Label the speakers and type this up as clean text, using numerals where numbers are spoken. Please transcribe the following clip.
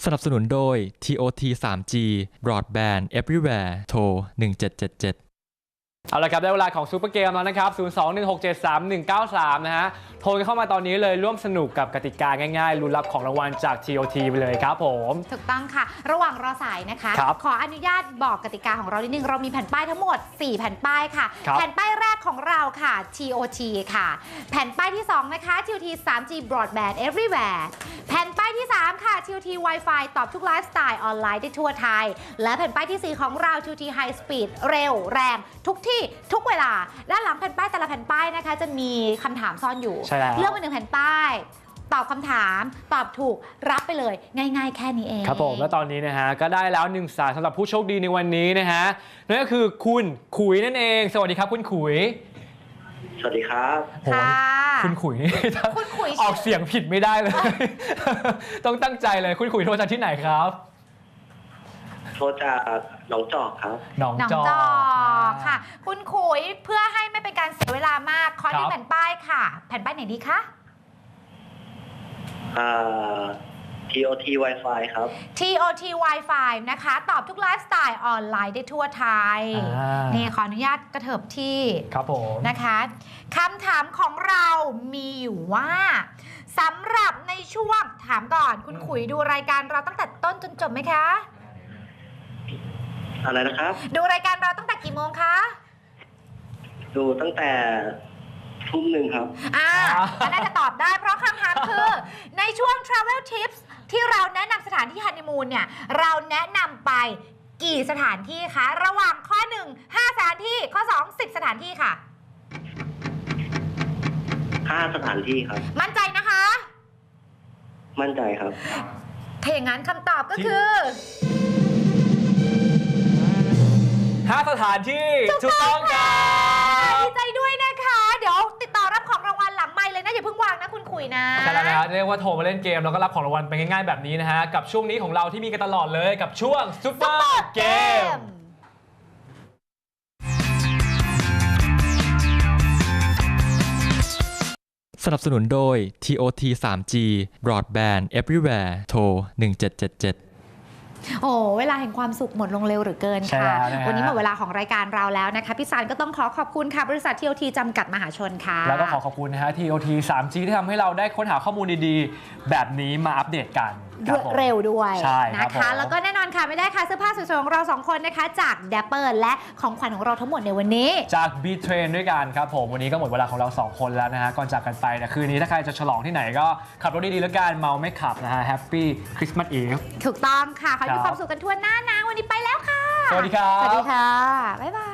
Speaker 1: นับสนุนโดย TOT 3G Broadband Everywhere โทร1777
Speaker 2: เอาละครับได้เวลาของซูเปอร์เกมแล้วนะครับ021673193นะฮะโทรเข้ามาตอนนี้เลยร่วมสนุกกับกติกาง่ายๆลุ้นรับของรางวัลจาก TOT ไปเลยครับผม
Speaker 3: ถูกต้องค่ะระหว่างรอสายนะคะขออนุญาตบอกกติกาของเรานิดนึงเรามีแผ่นป้ายทั้งหมด4แผ่นป้ายค่ะแผ่นป้ายแรกของเราค่ะ TOT ค่ะแผ่นป้ายที่2นะคะ TOT 3G Broadband Everywhere แผ่นป้ายที่3ค่ะ TOT Wi-Fi ตอบทุกไลฟ์สไตล์ออนไลน์ได้ทั่วไทยและแผ่นป้ายที่4ของเรา TOT High Speed เร็วแรงทุกที่ทุกเวลาด้านหลังแผ่นป้ายแต่ละแผ่นป้ายนะคะจะมีคำถามซ่อนอยู่เลือกมา1แผ่นป้ายตอบคำถามตอบถูกรับไปเลยง่ายๆแค่นี้เอง
Speaker 2: ครับผมและตอนนี้นะฮะก็ได้แล้ว1สายสำหรับผู้โชคดีในวันนี้นะฮะนั่นก็คือคุณขุยนั่นเองสวัสดีครับคุณขุย
Speaker 4: สวัสดีครับ
Speaker 3: ค่ะ
Speaker 2: คุณขุยนี่ออกเสียงผิดไม่ได้เลย ต้องตั้งใจเลยคุณขุยโทรจากที่ไหนครับ
Speaker 4: โทรจากหนองจอกครับ
Speaker 3: หนองจอกค่ะคุณขุยเพื่อให้ไม่เป็นการเสียเวลามากขอที่แผ่นป้ายค่ะแผ่นป้ายไหนดีคะ
Speaker 4: TOT Wi-Fi ครับ
Speaker 3: TOT Wi-Fi นะคะตอบทุกไลฟ์สไตล์ออนไลน์ได้ทั่วไทยนี่ขออนุญาตกระเถิบที่
Speaker 2: ครับผม
Speaker 3: นะคะคำถามของเรามีอยู่ว่าสำหรับในช่วงถามก่อนคุณขุยดูรายการเราตั้งแต่ต้นจนจบไหมคะ
Speaker 4: อะไรนะครับ
Speaker 3: ดูรายการเราตั้งแต่กี่โมงคะ
Speaker 4: ดูตั้งแต่ทุ่มหนึ่งครับ
Speaker 3: น่าจะตอบได้เพราะคำถามคือในช่วง Travel Tips ที่เราแนะนำสถานที่ฮันนีมูนเนี่ยเราแนะนำไปกี่สถานที่คะระหว่างข้อ1 5สถานที่ข้อ2 10สถานที่ค่ะ
Speaker 4: 5สถานที่ครับ
Speaker 3: มั่นใจนะคะ
Speaker 4: มั่นใจครับ
Speaker 3: ถ้าอย่างนั้นคำตอบก็คือ
Speaker 2: 5สถานที่ถูกต้องค่ะ
Speaker 3: ดีใจด้วยนะคะเดี๋ยวติดต่อรับของรางวัลหลังไมค์เลยนะอย่าเพิ่งวางนะคุณขุยนะ
Speaker 2: ใช่แล้วนะฮะเรียกว่าโทรมาเล่นเกมแล้วก็รับของรางวัลไปง่ายๆแบบนี้นะฮะกับช่วงนี้ของเราที่มีกันตลอดเลยกับช่วงซุปเปอร์เกม
Speaker 1: สนับสนุนโดย TOT 3G Broadband Everywhere โทร1777
Speaker 3: โอ้เวลาแห่งความสุขหมดลงเร็วหรือเกินค่ะวันนี้หมดเวลาของรายการเราแล้วนะคะพี่ซันก็ต้องขอขอบคุณค่ะบริษัท TOT จำกัดมหาชนค่ะ
Speaker 2: แล้วก็ขอบคุณนะฮะ TOT 3G ที่ทำให้เราได้ค้นหาข้อมูลดีๆแบบนี้มาอัปเดตกัน
Speaker 3: เร็วด้วยนะคะแล้วก็แน่นอนค่ะไม่ได้ค่ะเสื้อผ้าสวยๆของเรา2คนนะคะจาก Dapper และของขวัญของเราทั้งหมดในวันนี้
Speaker 2: จาก B-Train ด้วยกันครับผมวันนี้ก็หมดเวลาของเรา2คนแล้วนะฮะก่อนจากกันไปนะคืนนี้ถ้าใครจะฉลองที่ไหนก็ขับรถดีๆแล้วกันเมาไม่ขับนะฮะ Happy Christmas Eve
Speaker 3: ถูกต้องค่ะขอให้มีความสุขกันทั่วหน้านะวันนี้ไปแล้วค่ะ
Speaker 2: สวัสดีครับ
Speaker 3: สวัสดีค่ะบ๊ายบาย